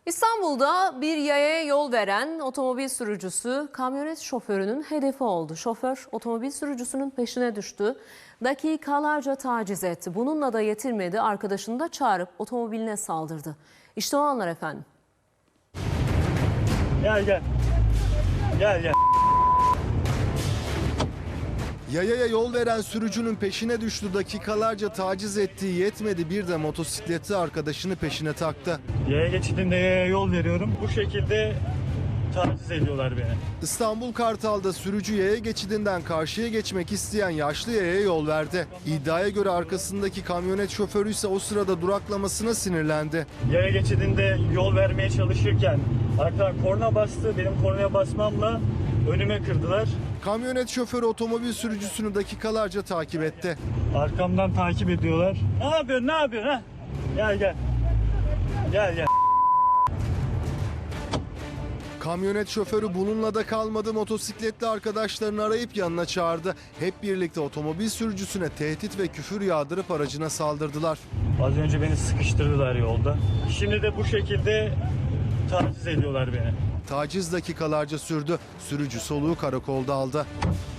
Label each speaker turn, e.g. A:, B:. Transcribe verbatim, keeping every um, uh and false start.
A: İstanbul'da bir yayaya yol veren otomobil sürücüsü kamyonet şoförünün hedefi oldu. Şoför otomobil sürücüsünün peşine düştü. Dakikalarca taciz etti. Bununla da yetinmedi. Arkadaşını da çağırıp otomobiline saldırdı. İşte o anlar efendim.
B: Gel gel. Gel gel.
C: Yayaya yol veren sürücünün peşine düştü, dakikalarca taciz ettiği yetmedi, bir de motosikletli arkadaşını peşine taktı.
B: Yaya geçidinde yaya yol veriyorum. Bu şekilde taciz ediyorlar beni.
C: İstanbul Kartal'da sürücü yaya geçidinden karşıya geçmek isteyen yaşlı yayaya yol verdi. İddiaya göre arkasındaki kamyonet şoförü ise o sırada duraklamasına sinirlendi.
B: Yaya geçidinde yol vermeye çalışırken arkadan korna bastı. Benim kornaya basmamla önüme kırdılar.
C: Kamyonet şoförü otomobil sürücüsünü dakikalarca takip etti.
B: Arkamdan takip ediyorlar. Ne yapıyorsun? Ne yapıyorsun? Ha? Gel gel. Gel gel.
C: Kamyonet şoförü bununla da kalmadı, motosikletli arkadaşlarını arayıp yanına çağırdı. Hep birlikte otomobil sürücüsüne tehdit ve küfür yağdırıp aracına saldırdılar.
B: Az önce beni sıkıştırdılar yolda. Şimdi de bu şekilde taciz ediyorlar beni.
C: Taciz dakikalarca sürdü. Sürücü soluğu karakolda aldı.